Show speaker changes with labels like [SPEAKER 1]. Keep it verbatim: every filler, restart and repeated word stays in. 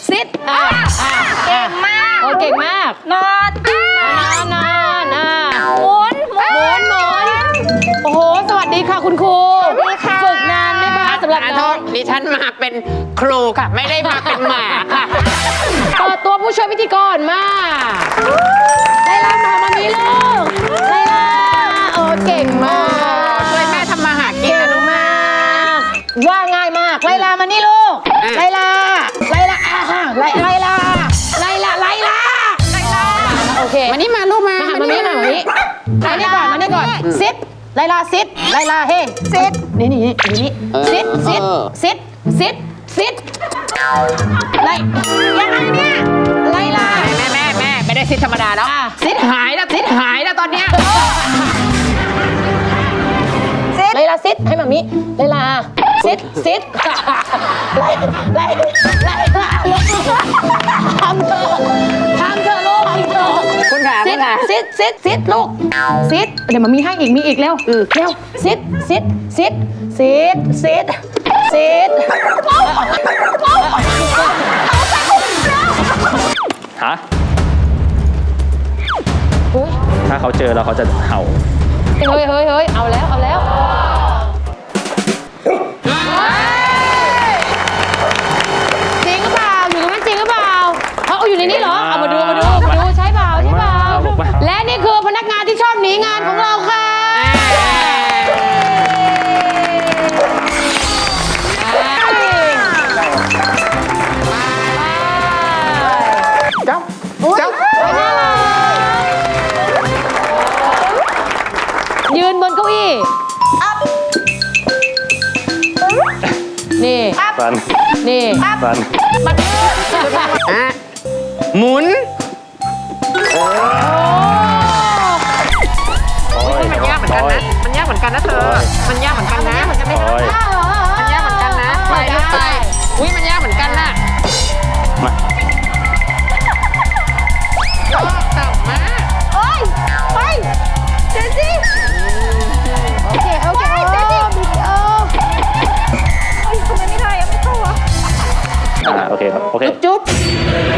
[SPEAKER 1] ซิดอ่าเก่งมากโอ้เก่งมากนอนนอนนอนอ่าหมุนหมุนหมุนโอ้โหสวัสดีค่ะคุณครูฝึกนานไหมคะสำหรับน้อง
[SPEAKER 2] ดิฉันมาเป็นครูค่ะไม่ได้มาเป็นหมาค่ะ
[SPEAKER 1] เปิดตัวผู้ช่วยพิธีกรมาไลลามามามีลูกไลลาโอ้เก่งมาก
[SPEAKER 2] ช่วยแม่ทำมาหากินนะลูกแม่
[SPEAKER 1] ว่าง่ายมากไลลามานี่ลูกไลลาไลลาอ่าไลไลลาไลลาไลลาไลลาโอเค
[SPEAKER 2] มานี่มาลูกมา
[SPEAKER 1] มามานี่มามานี่มานี่ก่อนมานี่ก่อนซิดไลลาซิดไลลาเฮ้ซิดนี่นี่นี่นี่ซิดซิดซิดซิดซิดไลยังไงเนี่ยไลลา
[SPEAKER 2] แม่แม่แม่ไม่ได้ซิดธรรมดาแล้วซิดหายแล้วซิดหายแล้วตอนเนี้ย
[SPEAKER 1] ไลลาซิดให้มามิไลลาซิดซิดไลไลไลลาทำเธอทำเธอลูกทำเธอ
[SPEAKER 2] คุณขา
[SPEAKER 1] ซิ
[SPEAKER 2] คุ
[SPEAKER 1] ด
[SPEAKER 2] ณขา
[SPEAKER 1] ซิดซิดซิดลูกซิดเดี๋ยวมามีให้อีกมีอีกเร็วเร็วซิดซิดซิดซิดซิดซิด
[SPEAKER 3] ฮะถ้าเขาเจอแล้วเขาจะเห่า
[SPEAKER 1] เฮ้ยเฮ้ยเฮ้ยเอาแล้วเอาแล้วจริงหรือเปล่าอยู่ตรงนั้นจริงหรือเปล่าเขาเอาอยู่ในนี้เหรอเอามาดูมาดูมาดูใช่เปล่าใช่เปล่าและนี่คือพนักงานที่ชอบหนีงานของเราค่ะ
[SPEAKER 2] เจ้าเจ้า
[SPEAKER 1] ยืนบนเก้าอี้นี่
[SPEAKER 3] ฟัน
[SPEAKER 1] นี่
[SPEAKER 3] ฟัน
[SPEAKER 2] อ่ะหมุน
[SPEAKER 3] โอ้ย
[SPEAKER 2] มันยากเหมือนกันนะมันยากเหมือนกันนะเธอมันยากเหมือนกันนะมันจะไม่
[SPEAKER 3] โอ้ย
[SPEAKER 2] มันยากเหมือนกันนะไปลูกไปอุ้ยมันยากเหมือนกันน่ะ
[SPEAKER 3] มา
[SPEAKER 2] ชอบต่ำมาก
[SPEAKER 1] โอ้ยไปเจซี่โอเคโอเคเจซี่วิดีโอโอ้ยทำไมไม่ได้อะไม่เข้าอ่ะ
[SPEAKER 3] อ่าโอเคครับ โอเค
[SPEAKER 1] จุ๊บ